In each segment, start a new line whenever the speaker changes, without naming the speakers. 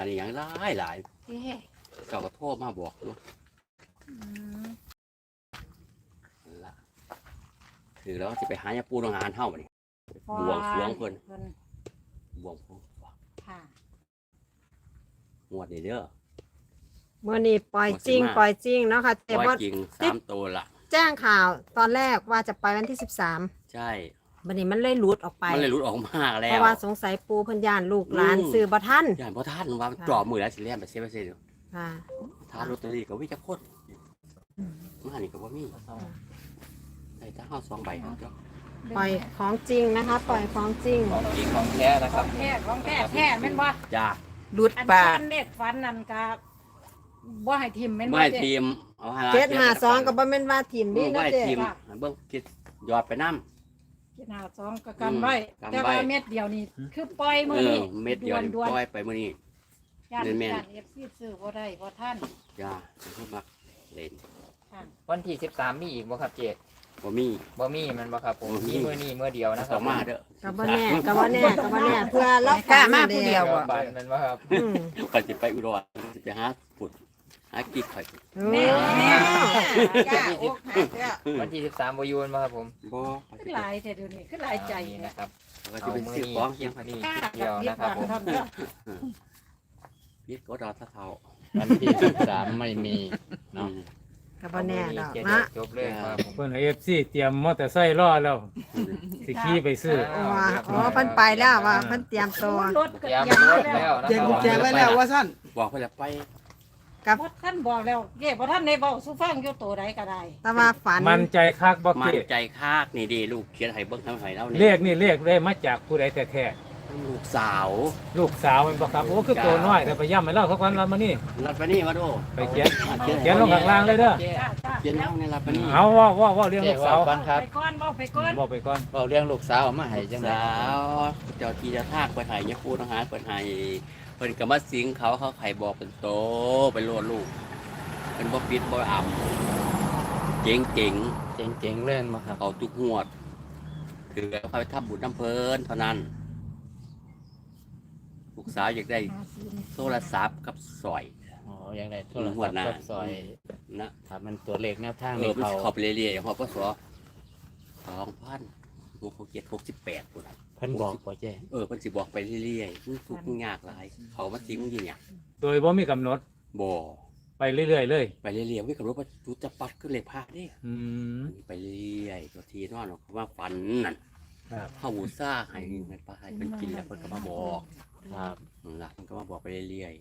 อะไรอย่างหลาย
เอ๊ะ
เจ้าก็โทรมาบอกลูก
อืม
ละถือแล้วจะไปหายาปูโรงงานเฮ้ามาดิบวงสรวงเพิ่นบวงสรวง
ค่ะ
งวดนี้เด้อ
เมื่อนี้ปล่อยจริงปล่อยจริงเนาะค่ะแต่
ปล่อย
ว่า
จริง3ตัวละ
แจ้งข่าวตอนแรกว่าจะไปวันที่13
ใช่
วันนี้มันเลยหลุดออกไป
มันเลยหลุดออกมาแล้
เพ
ว
ราะว่าสงสัยปูเพันยานลูกหลานซื้อบ่ทัน
อย่างพ่อท่านว่าจ่อมือแล้วสิเล่นไปเซฟอยู่
ค่ะ
ทานลอตเตอรี่ก็วิ่งจะโคตรมานี่ก็บ่มีใส่ตั้งห้า2 ใบครับเจ้า
ปล่อยของจริงนะคะ ปล่อยของจริง
ของจริงของแท้นะครับ
ของแท้แม่นบ่
จ้า
หลุด
อัน
ปาก
ฟันเด็กฟันนั่นก็บ่ให้ทิมแม่นบ่
ไม่
เจ๊
ทีมเอาให้
752ก็บ่แม่นว่าทีมนี่
ไม่
เนาะเจ๊
ทีมเบิ่งคิดยอดไปน้ำ
กินหา2ก็กันไว้
กันไว้
แต่ว่าเม็ดเดียวนี่คือปล่อยมื้อนี้
เม็ดเดียวนี่
ด่วน
ปล่อยไปมื้อนี้
ๆย่าน
แม่นๆ
ย่าน FC ซื้อบ่ได้บ่ทัน
จ้าเพิ่นมักเล่น
ค่ะ
วันที่13มีอีกบ่ครับเจ
บ่มี
บ่มีมันบ่ครับผม
บ่มี
มีมื้อนี้มื้อเดียวนะครั
ต่
บ
อมาเด้อ
ก็บ่แน่ก็บ่แน่ก็บ่แน่เพื่อรับ
กล้ามาผู้เดียว
เดี๋ยวบัตรมันบ่ครับ
อืม
ก็สิไปอุดรสิไปหาฝุ่นหากิ๊กข่อย
โอ้
กล้าอกหักแล้ว
วันที่13บ่อยู่มันบ่ครับผม
บ่
คือหลายแต่เดี๋ยวนี้คือหลายใจ
นี่
นะ
นะครับ
ก็สิไปซื้อของเคียงข่อย
นี่
กล้า
เดียว
เรีย
นะ
ก
ครับ
ว่า
ผม
ทำเด้อ
พีดก็ดอทะเทา
วันที่13ไม่มีเนาะ
ก็บ่แน่ดอก
เจ
นะ
จบเลยครับผม
เพิ่นเอฟซีเตรียมมอเตอร์ไซค์รอแล้วสิขี่ไปซื้อ
ว่าอ๋อเพิ่นไปแล้วว่าเพิ่นเตรียมตัว
รถก็
เตรียม
ยัง
ร
ไม่
ถ
แล้ว
แล้วนะ
เจ๊
ค
กุญแจ
รับ
ไว้แล้วว่าสั้น
บอกเพิ่นแล้วไป
กับ
บ่ท่านบอกแล้วเย่บ่ท่านได้เว้าสู่ฟังอยู่ตัวใดก็ได้
แต่ว่าฝัน
มันใจคักบ่
มั่
เก
นใจคากนี่ดีลูกเขียนให้เบิ่งทำให้เรา
เลขนี่เลขได้มาจากผู้ใดแท้
ลูกสาว
ๆลูกสาวมันบ่ครับโอ้คือตัวน้อยแต่ไปย่ำให้เราสักวันเรามานี่
รับไปนี่มาดู
ไปเขียนเขียนลงข้างล่างเลยเด้อ
เจ๊
จ้าจ้า
เขียนเอาในรับไปนี่
เอาว่าเรื่อง
เจ๊
ลูก
ว่า
สาว
ก่อนครับ
ไปก่อนเว้าไปก่อน
บอกไปก่อน
เราเลี้ยงลูกสาวมาให้จังได๋
สาวเจ้าที่เจะทากไปให้ยาปูทหารเพิ่นให้เพิ่นก็มาสิงเขาไข่บอกเป็นโตไปโลดลูกเพิ่นบ่ปิดบ่อับเจ๋ง
เจ๋งๆเล่นมาครับ
เขาทุกงวดคือเขาไปทำบุญน้ำเพลินเท่านั้น ลูกสาวอยากได้โทรศัพท์กับสร้อย
อ๋อยังไงโทร
หั
ศั
ว
พท์
หน้า
กับซอย
นะ
ถ้ามันตัวเลขแนวทาง
เอ
นี่
อมัน
เขา
เขาไปเรื่อยๆเขาก็สอ2,667 ปุ่น
เพิ่นบอกบ่เจ๊
เเพิ่นสิบอกไปเรื่อยๆมันทุกข์มันยากหลาย เขามาสิงยิงเนี่ย
โดยบ่มีกำหนด
บ่
ไปเรื่อยๆเลย
ไปเรื่อยๆวิ่งกับรถว่าจุดจะปัดขึ้นเลยพาเด้
อืม
ไปเรื่อยๆตัวทีนอนเขาว่าฝันนั่น
ครับ
เข้าหูซ่าให้มันไปให้มันกินแล้วเพิ่นก็มาบอก
ครับ
นั่นล่ะมันก็มาบอกไปเรื่อย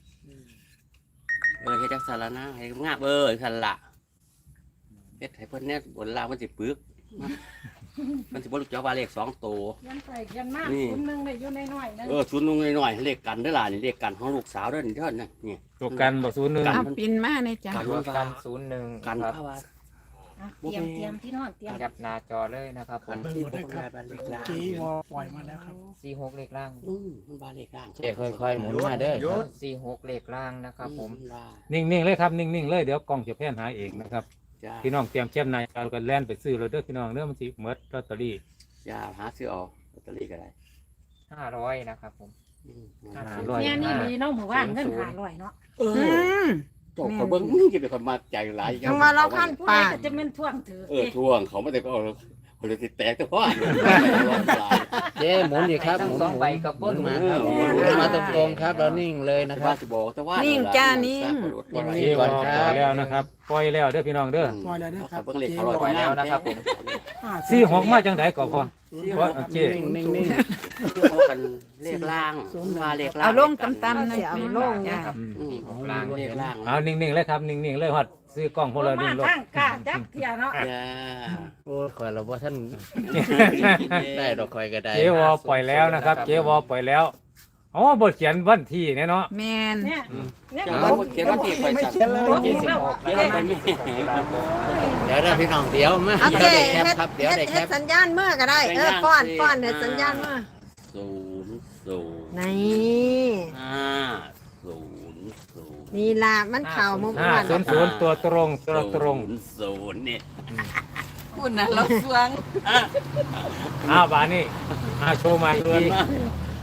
ๆเฮ็ดจังซั่นละนะให้งาบซั่นล่ะเฮ็ดให้เพิ่นเนี่ยบนล่างมันสิปึกมันสิบ่รู้จักว่าเลข2ตัว
ยันไปยันมาก
นี่
คนหนึงได้อยู่ในน้อยๆนึง
ชุดนุ่งน้อยๆเลขกันเด้อล่ะนี่เลขกันของลูกสาวเด้อนี่เด้อนี่
ตัวกันบ่ศูนย์หนึ่ง
กั
เอาปินมาในจ้ะ
กัน
รว
ว่าม
กัน01
กัน
ครับ
เพราะว่า
อ่ะเตรียมเตรียมที่นอนเตรียม
จับหน้าจอเลยนะครับผ
กัน
ม
ที่บ่ได้บ้านเลขล่าง
จีวอปล่อยมาแล้วครับ
46เลขล่าง
มันบ้านเลขล่าง
เจ๊ค่อยๆหมุนมาเด้อครับ
46เลขล่างนะครับผม
นิ่งๆเลยครับนิ่งๆเลยเดี๋ยวกล้องจะแพนหาเองนะครับ
จ้า
พี่น้องเตรียมเช็มนายเอากันแล่นไปซื้อเลยเด้อพี่น้องเด้อมันสิหมดลอตเตอรี่
จ้าหาซื้อเอาลอตเตอรี่ก็ได้
500นะครับผม
เนี่ยนี่มีเนาะหมู่บ้านเงิน500เนาะ
เอ
อื
อ
ม
จบเขาเบิ่งนี่จะเป็นคนมาใจหลาย
ยังว่าเราขั้น
ผู้ใดก็จะแม่นท่วงถือ
ท่วงเขาไม่ได้ก็เอาคนเลยแตกแต่พ่อ
เจ๊หมุนอีกครับหมุน
สองใบกับ
ห
เบิ้
มุ
ล
นมาครับหมุนมาตรงๆครับเรานิ่งเลยนะค
ว่า
รับ
สิบอกแต่ว่า
นิ่งจ้านิ่ง
เจ๊วอปล่อยแล้วนะครับปล่อยแล้วเด้อพี่น้องเด้อ
ปล่อยแล้วนะครับ
เบิ่งเลขเขา
ปล่อยแล้วนะครับผม
46มาจังไดก็พอเพราะเจ๊
นิ่ง
กันเลขล่างมาเลขล่าง
เอาลงต่ำๆหน่อย
เอาลง
จ้ะ
ครับ
ล่างเลขล่าง
เอานิ่งๆเลยครับนิ่งๆเลยฮอดซื้อกล้องพวกเรา
มา
นิ่งลง
ทางกาจักเที่ยเนาะ
จ้า
ๆโอ้ยข่อยเราบ่ท่านได้ดอกข่อยก็ได้
เจ๊วอปล่อยแล้วนะครับ เจ๊วอปล่อยแล้วอ๋อบทเขียนวันที่เนี่ยเนาะ
แมน
เนี่ยเนี่ย
จ้า
ผม
เขียนว่าที่ไปสั่ง
ผมอีกแล้ว
เขียนไปไม่
เดี๋ยวนะพี่น้องเดี๋ยวมา
เอา
เดี๋ยว
เจ๊
ได้แคป
เฮ็ด
ครับเดี๋ยวได้แค
เฮ็ด
ป
สัญญาณเมื่อก็ได้ป้อนเฮ็ดสัญญาณเมื่อ
00
นี่
500
นี่ล่ะมันเข่ามุกวัน
500ตัวตรง
00เนี่ย
คุณน่ะเราสวง
อ้าวบานี่โชว์มาเลย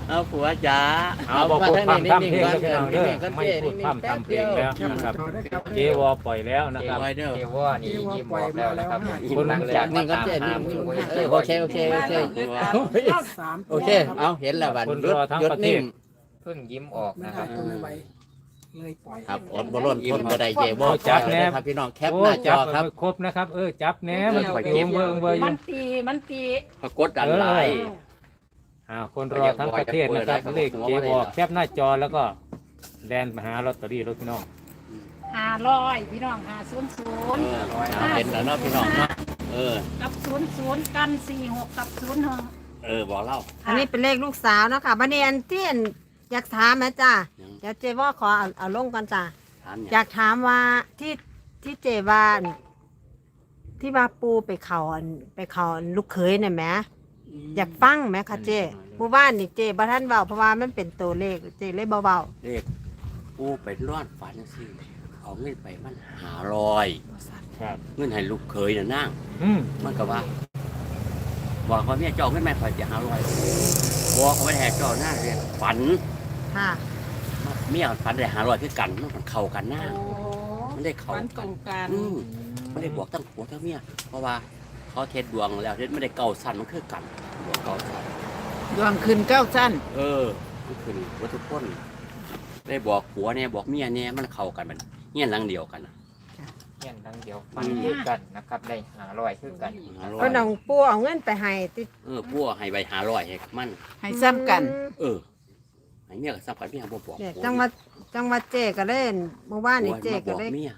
เอาผัวจ๋า
เอาบอกพูดพร่ำทำเพลงแล้วพี่น้องเด้อไม่พูดพร่ำทำเพลงแล้วนะครับเจวอปล่อยแล้วนะครับ
ไว้เด้อ
เทว่านี่ยิ้มบอกแล้วนะครับ
คนหลังจากนี้ก็เจ๊นี่โอเคโอเคโอเคโอเคเอาเห็นแล้วบัด
คนรอทั้งประเทศ
เพิ่งยิ้มออกนะครับ
เลยปล่อย
ครับอดบ่ล้นทนบ่ได้เจวอ
จับแน่
ครับพี่น้องแคป
โอ้
หน้าจ
จั
อบ ครับ
ครบนะครับจับแหน่มันไปเบิ่งเบิ่งอ
มั
ยู่
นตี
ปรากฏดันหลาย
คนรอทั้งประเทศนะครับเลขเจวอแคปหน้าจอแล้วก็แลนมาหาลอตเตอรี่รถพี่น้อง
500พี่น้อง500
เห็นแล้วเนาะพี่น้องเนาะ
กับ00กัน46กับ01
บอกเล่า
อันนี้เป็นเลขลูกสาวเนาะค่ะบัดนี้อันที่อยากถามนะจ้าเดี๋ยวเจว่าขอเอาลงก่อนจ้า
ถาม
อยากถามว่าที่เจว่าที่ว่าปูไปเขาลูกเขยเนี่ยแหมอยากฟังไหมคะเจหมู่บ้านนี่เจบ่ท่านเบาเพราะว่ามันเป็นตัวเลขเจเลยเบา
เลขผู้ไปรอดฝันสิเอาเงินไปมัน500
ครับ
เงินให้ลูกเคยน่ะนั่ง มันก็ว่าบอกว่าเมียเจ้าเงินแม่ข่อยจะ500บอกเขาไปแหกเจ้าหน้าเรียนฝัน
ๆค่ะ
เมียฝันได้500คือกันมันเข้ากันหน้ามันได้เข้า
วันต
กั
ร
น
งกัน
ไม่ได้บอกตั้งผัวทั้งเมียเพราะว่าเขาเทศดวงแล้วเทศไม่ได้เก่าสั้นมันคือกันดวงเก่าสั้น
ดวงคืนเก้าสั้น
มันคือวัตถุพ้นได้บอกผัวเนี่ยบอกเมียเนี่ยมันเข้ากันมันเงี้ยหลังเดียวกัน
เงี้ยดังเดียวฟันคือกันนะครับได้500คือกัน
ก็น้องปูเอาเงินไปให้ติ
ผัวให้ใบ500ให้มัน
ให้ซ้ำกัน
ให้เมียก็ซ้ำกันเมียบ่บอก
เนี่ยจังหวัดเจก็เล่นเมื่อวานนี่เจก็
บอก
เล่น
เมีย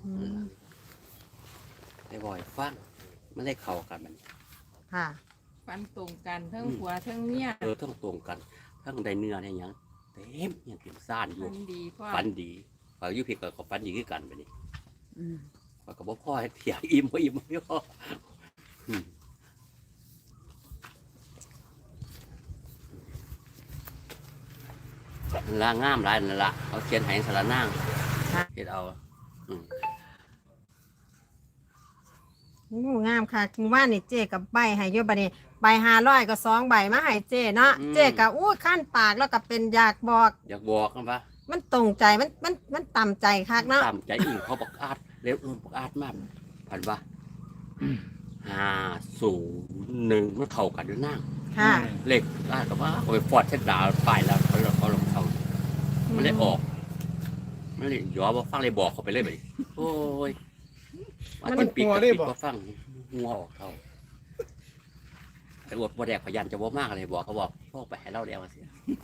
ได้บ่อยฟังมันได้เข้ากันมัน
ค่ะ
ฟันตรงกันทั้งผัวทั้งเมีย
ทั้งตรงกันทั้งได้เนื้อได้หยังเต็มยังเต็มซ่านอยู่
ฟันดีพ่อ
ฝันดีฝากยุพิกก็ฝันดีคือกันไปนี่ฝากกับพ่อให้เถียงอิ่มบ่อิ่มไม่พอละงามหลายนั่นละเขาเขียนให้สารนางเขียนเอา
งามค่ะคือว่านี่เจกับใบให้เยอะบัดนี้ใบ500ก็2ใบมาให้เจเนาะเจก็อู้ขั้นปากแล้วก็เป็นอยากบอก
อยากบอกกันปะ
มันตรงใจมันต่ำใจคักเนาะ
ตามใจอิ่งเขาบอกอาดเร็วบอกอาดมากผ่านว่า501มันเข้ากันด้วยนั่ง
ค่ะ
เลขอาดกับว่าเอาไปฟอดเส้นดาวไปแล้วเขาลงเขามันเลยออกมันเลยย้อนว่าฟังเลยบอกเขาไปเลยไปโอ้ยมันปีกกับปีกก็ฟังงัวออกเขาไอ้อวดบ่แดกพยันจะบ่มากเลยบอกเขาบอกพวกไปให้เล่าแล้วสิ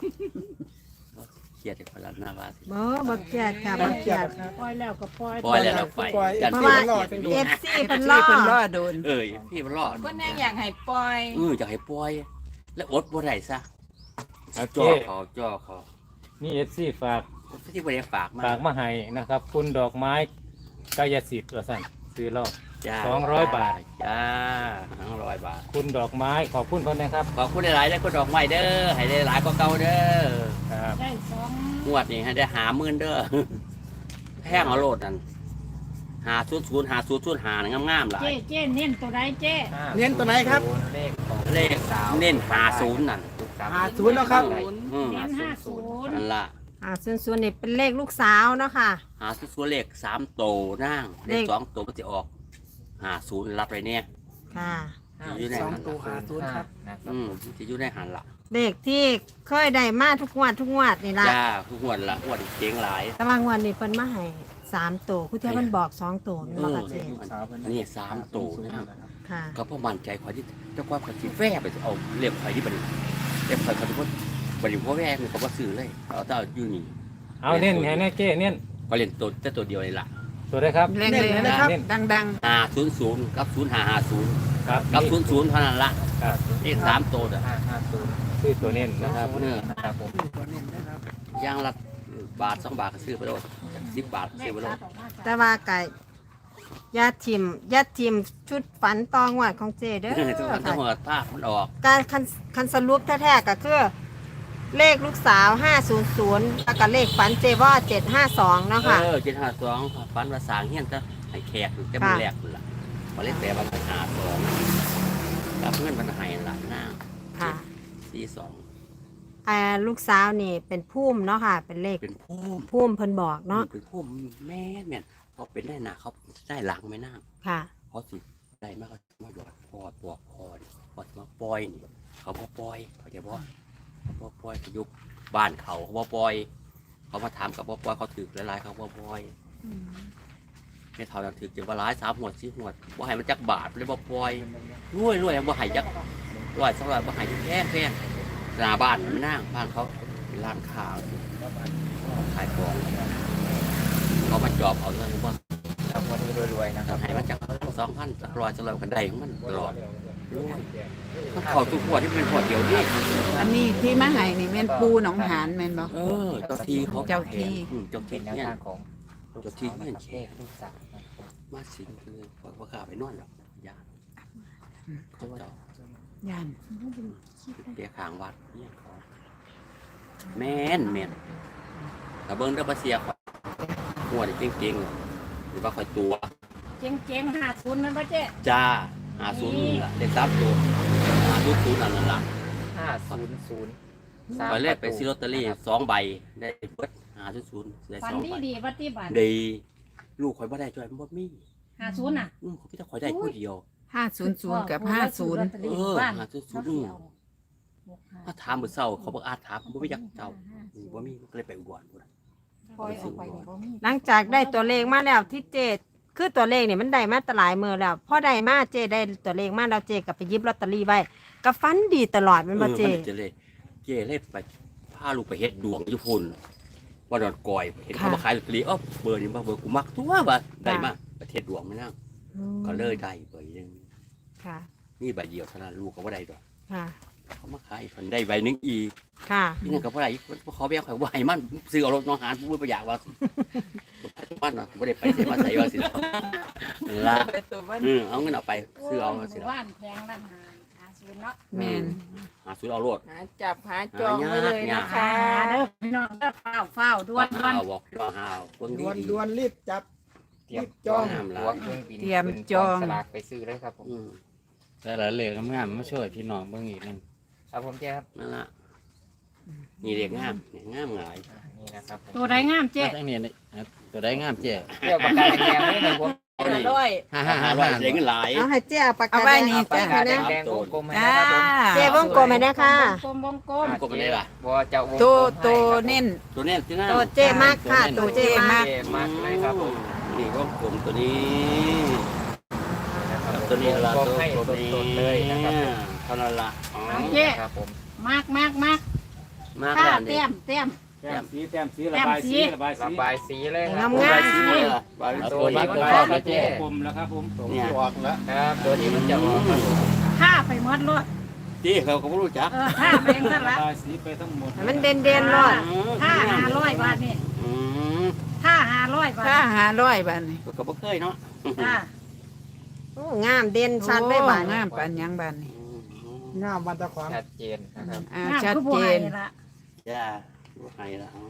เครียดจากพลันหน้าบ้านสิ
บ่เครียดค่ะบ่เครียด
ปล่อยแล้วก็ปล่อย
ปล่อยแล้วเราไปยัน
เพราะ
พี่
ว่า
มันรอด
FC เพิ่น
ที่
รอ
เพิ่นรอโดน
พี่มันรอด
เพิ่นแน่อยากให้ปล่อย
จะให้ปล่อย แล้วอดบ่ได้ซะ
เอา
จ่อ
เจ๊
เขา
นี่ฝาก
ที่บ่ได้ฝากมา
ฝากมาให้นะครับ คุณดอกไม้กายสิทธิ์สั่นซื้อรอบ
จ้า
200 บาท
จ้า200 บาท
คุณดอกไม้ขอบคุณคนนะครับ
ขอบคุณหลายๆได้คุณดอกไม้เด้อให้ได้หลายกว่าเก่าเด้อ
ครับ
ได้
งวดนี้ให้ได้50,000เด้อแพงเอาโลดนั่น500 งามๆหลาย
เจ๊เน้นตัวใดเจ๊
เน้นตัวไหนครับ
เลขของ
เลขเน้น50นั่น
50แล้วครับ
เน้น50
นั่นล่ะ
ส่วนนี่เป็นเลขลูกสาวเนาะค่ะ
50เลข3โตนั่งเลข2โตมันสิออก50รับไปเนี่ย
ค่ะ
อยู่ใน
สอง
หัน
ตัว50ครับ
นะครับ
จะอยู่ในหันละ
เลขที่เคยได้มาทุกงวดนี่ล่ะ
จ้าทุกงวดละงวดเจ๊งหลาย
แต่ว่างวดนี้เพิ่นมาให้3ตัวคุณเทียมันบอก2ตัวนี่บ่ค่ะเจ
อันนี้3โตนะครับ
ค่ะ
ก็เพราะมั่นใจข่อยที่เจ้าความข่อยสิแว่ไปเอาเรียกข่อยที่บัดนี้เรียกข่อยเขาทุกคนบัดนี้บ่แว่นี่เขาบ่ซื้อเลยเอาแต่อยู่นี่
เอาเน้นให้แน่เจ๊เน้น
ก็เล่นตัวแต่ตัวเดียวนี่ล่ะ
ตัวได้ครับ
เล่นเลยนะครับ ดัง
500กับ0550
ครับ
กับ00เท่านั้นละ
ครับ
นี่3โตเด้อ
550
ซื้อตัวเน้นนะครับ
นะครับผม
ๆตัวเน้นนะครับ
อย่างละบาท2 บาทก็ซื้อไปโลด10 บาทก็ซื้อไปโลด
แต่ว่าไก่ยาทิมชุดฝันตองวดของเจเด้อ
ทุกคนต้อง
ค่ะ
หัวตามันออก
การคันสรุปแท้ๆก็คือ เลขลูกสาว500แล้วก็เลขฝันเจว่า752เนาะค่ะ
752ฟันภาษาเฮียนจะให้แขกจะมาแลกนั่นล่ะพอเล่นแต่ว่า52กับเงินมันให้ล่ะนาง
ค่ะ
42
ลูกสาวนี่เป็นภูมิเนาะค่ะ เป็นเลข
เป็นพุ่ม
ภูมิเพิ่นบอกเนาะ
เป็นพุ่มแม่นแม่นเขาเป็นได้หนาเขาได้หลังไม่น่า
ค่ะ
เขาสิได้มากเขามาหยอดพอตัวพอนี่พอมาปล่อยนี่เขาบ่ปล่อยเขาจะบอกเขาบ่ปล่อยเขายุบบ้านเขาบ่ปล่อย เขามาถามกับบ่ปล่อยเขาถือหลายๆเขาบ่ปล่อยไม่เท่านั้นถือจะว่าร้าย3 หัว4 หัวบ่ให้มันจักบาทเลยบ่ปล่อยรวยบ่ให้จักร้อย200บ่ให้แพงหน้าบ้านมันนั่งบ้านเขาเป็นร้านค้าขายของเขามาจอบเอาเลยว่า
ครับวันนี้รวยๆนะครับ
ให้มันจาก2,000 100จะเรากันได้ของมันตลอดมันเข้าทุกหัวที่เป็นหัวเดียวนี่
อันนี้ที่มาให้นี่แม่นปูหนองหานแม่นบ่
เจ้าที่เขา
เจ้าที่
เจ้า
เป็
ที่
นแนว
เนี่ย
ทางของ
เจ้าที่เนี่ย
เลขลูกสาวนะครับ
มาสิงคือว่าข้าไปนอนหรอกยาเขาเจ้า
ย่าน
เปียขางวัดเนี่ยเขาแม่นแต่เบิ้งได้มาเสียข่อยหัวนี่เก่งๆหรือว่าข่อยตัว
เจ๊ง50มันบ่เจ๊
จ้า50นี่ล่ะเลข3 ตัว50นั่นล่ะ
500
ข่อยเลขไปซื้อลอตเตอรี่2 ใบได้เบิด500ได้
ฝัน
2 ใบ
ดีปฏิบัติ
ดีลูกข่อยบ่ได้จ่อยมันบ่มี
50น่ะ
เขาพี่ตาข่อยได้ผู้เดียว
500กับ50
ถ้าถามมื้อเช้าเขาบ่อาจถามบ่มีจักเจ้าบ่มีก็เลยไปอุบลพุ่นน่ะ
ปล่อยออกไปนี่บ่มี
หลังจากได้ตัวเลขมาแล้วที่เจคือตัวเลขนี่มันได้มาแตหลายมือแล้วพอได้มาเจได้ตัวเลขมาแล้วเจก็ไปหยิบลอตเตอรี่ไว้ก็ฟันดีตลอดแมันบ่เจ
มันจะเลยเจ้เลยไปพาลูกไปเฮ็ดดวงอยู่พุ่นว่าดอนกอยเห็นเขามาขายลอตเตอรี่เบอร์นี้บ่เบอร์กูมักตัวว่าได้มาประเทศดวงไม่นั่งก็เลยได้เบอร์นึง
ค่ะ
นี่ใบเดียวเท่านั้นลูกก็บ่ได้ดอก
ค่ะ
เขามาขายเพิ่นได้ใบหนึงอีก
ค่ะ
นี่นั่นก็บ่ได้เขาไปเอาข่อยบ่ให้มันซื้อเอารถน้องหานผู้บ่อยากว่ามันน่ะบ่ได้ไปเสียมาใส่ว่าสิล่ะเอาเงินเอาไปซื้อเอาสิล่ะ
บ้านแพงร้าน50เนาะ
แม่น
หาซื้อเอารถ
หาจับหาจองไว้เลยนะคะ
เด้อพี่น้องเด้อเฝ้าด่วน
เอาบอกว่าหาเบิ่งดี
ด่วนรีบจับ
เตรียม
จอง
ตัวเครื่องบิน
เตรียมจอง
สลากไปซื้อเลยครับผม
แต่ละเลขงามๆมาช่วยพี่น้องเบิ่งอีกนึง
ครับผมเจ๊ครับ
นั่นล่ะนี่เด็กงามนี่งามหลาย
นี่นะครับผม
ตัวใดงามเจ๊
มาทั้งนี้นี่ตัวได้งามเจ๊
เรียกปากกาแดงๆนี่เลยผม
500เสียเงินหลาย
เอาให้เจเอาปากกา
เอาไว้นี่
แดง
จ้ะ
ให้นะ
แดงๆกลมๆให้
อ่า
นะครับผม
เจวงกลมให้นะคะ
วงกลม
กลมไปเลยล่ะ
บัวจะวง
ตัว
กลมให้
ตัวเน้น
ตัวนี้ที่หน้า
ตัวเจมากค่ะตัวเจมาก
เจ๊มากเลยครับผม
นี่ก็กลมตัวนี้
นะครับ
ตัวนี้ละ
วง
ตัว
ให้
ตัวนี้
สดๆเลยนะครับผม
เท่านั้นละอ๋อ
ครับผม
มาก
มาก
ค่า
แล้ว
เต็
นี่
ม
แต้มสีระบายสีระบายสี
ระบายสีเลยครั
งาม
ใบ
ๆ
สีละใบ
เอา
สี
ตัวนี้
มั
ก็
น
พอ
มา
แล้วเจ๊
เจ๊
กลมแล้วครับผม
เนี่ย
ครับตัวนี้มันจะออกครับผม
ค่าไปหมดรถ
ที่เขาก็ไม่รู้จัก
ค่าไปเองซะ
ระ
ละ
บายสีไปทั้งหมด
ให้มันเด่นๆรอด
ค่า500 บาทนี่
อืม
ค่า500 บาท
ถ้า500บาทนี่
ก็บ่เคยเนาะ
จ้า
โอ้งามเด่นชัดได้บาด
โอ้งามปานหยังบาทนี่
งามวันตะขวาง
ชัดเจนนะครับ
ชัดเจน
ละ
จ้าดูให้ละอ๋อย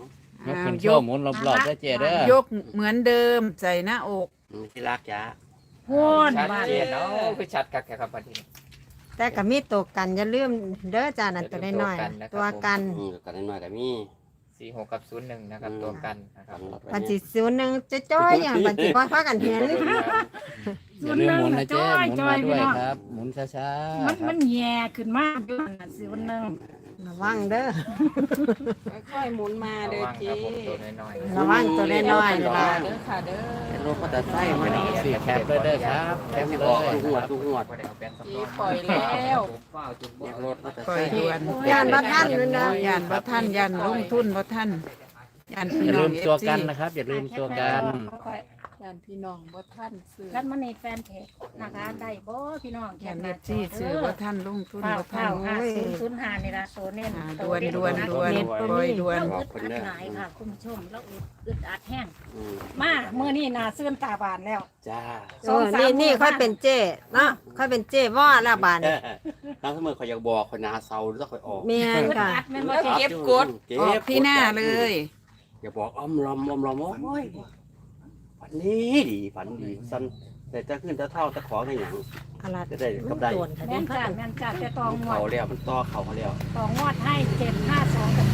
กขึ้นโชว์หมุนรอบๆได้เจ๊เด้อย
กเหมือนเดิมใส่หน้าอก
ที่รักจ้า
พูน
ชัด
บาท
เจนเนาะคือชัดครับครับบัดนี้
แต่ก็มีตัวกันอย่าลืมเด้อจ้านั่นตัวน้อยๆตัวกัน
กันน้อยๆก็มี
46กับ01นะครับตัวกันนะครับ
ปันสิ01จะจ้อยอย่างปันสิบ่พากันเห็น
อย่าลืมหมุนนะเจ๊หมุนมาด้วยครับ หมุนช้าๆ
มัน
ครับ
มันแย่ขึ้นมากอยู่นั่นสิวันนึง
ระวังเด้อ
ค่อยหมุนมา
ระ
เด้อ
วังค
เจ๊
รับผมตัวน้อยๆ
ระวังตัวน้อยๆล่ะ
เด้อค่ะเด้อ
เป็นรถมอเตอร์ไซค์มานี่
สี่แคปเลยเด้อครับแคป
ไม่
เล
ออก
ย
ทุกหัวทุกหัว
บ่ได้เอาแป้นสำรอง
ปล่อยแล้ว
เนี่ยรถมอเตอร์
ปล่
ไซ
อย
ค์
ด่วน
ย่านบ่ทันนั่นนะ
ย่านบ่ทันย่านลงทุนบ่ทันย่าน
อ
พี่
ย่า
น้
ลื
อง
ม
เอ
ตัว
ฟซี
กันนะครับ อย่าลืมตัวกัน
ย่านพี่น้องบ่ทันซื้อ
แล้วมันในแฟนเพจนะคะได้บ่พี่น้อง
ย่านเอฟซีซื้อบ่ทันลงทุน
ข้าว
บ่ทั
ข้าน ว5005นี่ล่ะโซเน้น
ด่วนด่วนด่วนปล่อยด่วน
เราอึดอัดหลายค่ะคุณผู้ชมเราอึดอัดแห้ง
อืม
มาเมื่อนี้น่าซื่นตาบานแล้ว
จ้า
นี่ค่อยเป็นเจ้เนาะค่อยเป็นเจ้ว่าแล้วบาดนี้
น้ำเสมอเขาอยากบอกคนนาเซาแล้วค่อยออก
แม่น
อึด
ค่ะ
อัดแม่นบ่
เก็บกด
เก็
ออกที่หน้าเลย
อย่าบอกอ้อมลอมโอ้ยฝันนี้ดีฝันดีสั้นแต่จะขึ้นจะเท่าจะขอให้อย่าง
อะไร
จะได้
มั
กับ
น
ได้
โดนค่ะ
แม่
เด้
นจ้าแม่นจ้าจะตองงว
เขา
ด
แล้วมันต่อเขาแล้ว
ตองงวดให้752กับ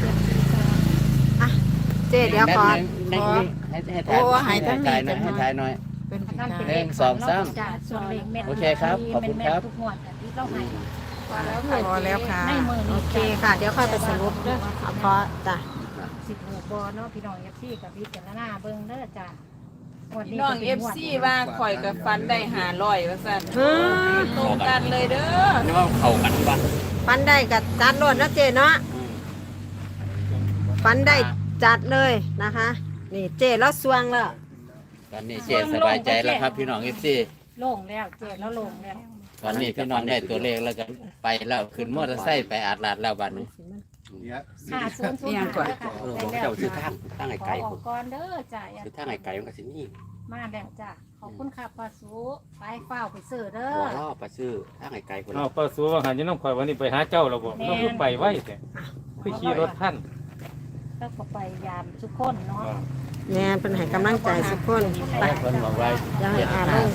742
เจ๊เดี๋ยวขอ
ให้ถ่ายหน่อยให้ถ่ายหน่อย
เป็น
นั่นเป็น
หนึ่
เลข
งสองสาม
จ้าส่วนเลขเม็ด
โอเคครับขอบคุณครับ
ทุกงวดที่เราให้
พอแล้วค่ะ
ในมือ
โอ
นี้
เคค่ะ เดี๋ยวค่อยไปสรุปเด้อเอาเพราะจ้ะ
16บ่เนาะพี่น้อง FC กับพิจารณาเบิ่งเด้อจ้า
น้องเอฟซีว่าข่อยกับฟันได้500ว่าซั่น
อืม
ตรงกันเลยเด้อ
นี่ว่าเขากันบ้าง
ฟันได้กับจัดโลดนะเจ๊เนาะฟันได้จัดเลยนะคะ นี่เจ๊แล้วสวงแล้ว
ตอนนี้เจสบายใจแล้วครับพี่น้องFC
โล่งแล้วเจ๊แล้วโล่งแล้ว
ตอนนี้พี่น้องได้ตัวเลขแล้วกันไปแล้วขึ้นมอเตอร์ไซค์ไปอาดลาดแล้วบัดนี้
5005ค่ะ
ผมเจ้าซื้อทางไอ้ไก่
ขอออกก่อนเด้อจ้า
ซื้อทางไอ้ไก่มันก็สินี่
มาแล้วจ้าขอบคุณค่ะป้าสูไปเฝ้าไปซื้อเด้อ
บ่รอไปซื้อทางไอ้ไก่คน
เอาป้าสูว่าหันอยังน้องข่อยวันนี้ไปหาเจ้าเราบอกเราคือไปไว้แต่คือขี่รถท่าน
แล้วก็ไปยามทุกคนเนาะ
แม่เป็นให้กำลังใจสุกคนไป
คนบอกว่า
ยังให้อ่านลง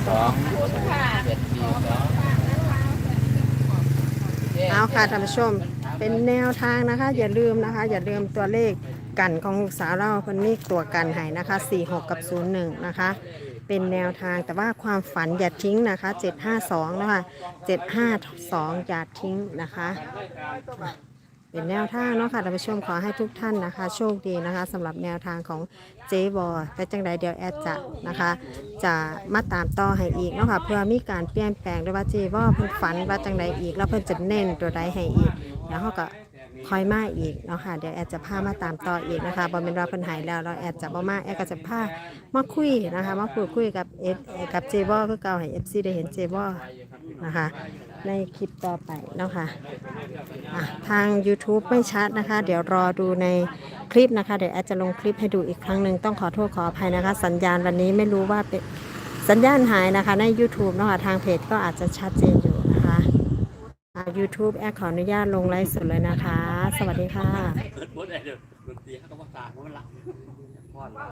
เอาค่ะท่านผู้ชมเป็นแนวทางนะคะ อย่าลืมนะคะ อย่าลืมตัวเลขกันของลูกสาวเราคนนี้ตัวกันให้นะคะ46กับ01นะคะเป็นแนวทางแต่ว่าความฝันอย่าทิ้งนะคะ752นะคะ752อย่าทิ้งนะคะเป็นแนวทางเนาะค่ะท่านผู้ชมขอให้ทุกท่านนะคะ โชคดีนะคะสำหรับแนวทางของเจ๊บอแต่จังใดเดี๋ยวแอดจะนะคะ จะมาตามต่อให้อีกเนาะค่ะเพื่อมีการเปลี่ยนแปลงด้วยว่าเจ๊บอเพิ่นฝันว่าจังใดอีกแล้วเพิ่นจะเน้นตัวใดให้อีกแล้วเขาก็คอยมาอีกเนาะค่ะเดี๋ยวแอดจะพามาตามต่ออีกนะคะบอเป็นว่าเพิ่นหายแล้วเราแอดจะบ่มาแอดก็จะพามาคุยนะคะมาพูดคุยกับกับเจ๊บอคือเก่าให้ FC ได้เห็นเจ๊บอนะคะในคลิปต่อไปเนาะค่ะทาง YouTube ไม่ชัดนะคะ เดี๋ยวรอดูในคลิปนะคะเดี๋ยวแอดจะลงคลิปให้ดูอีกครั้งหนึ่งต้องขอโทษขออภัยนะคะ สัญญาณวันนี้ไม่รู้ว่าเป็นสัญญาณหายนะคะใน YouTube เนาะค่ะทางเพจก็อาจจะชัดเจนอยู่นะคะ YouTube แอดขออนุญาตลงไลฟ์สดเลยนะคะ สวัสดีค่ะ
เปิดบ่ได้เด้อดนตรีเขาก็บ่ตามันละ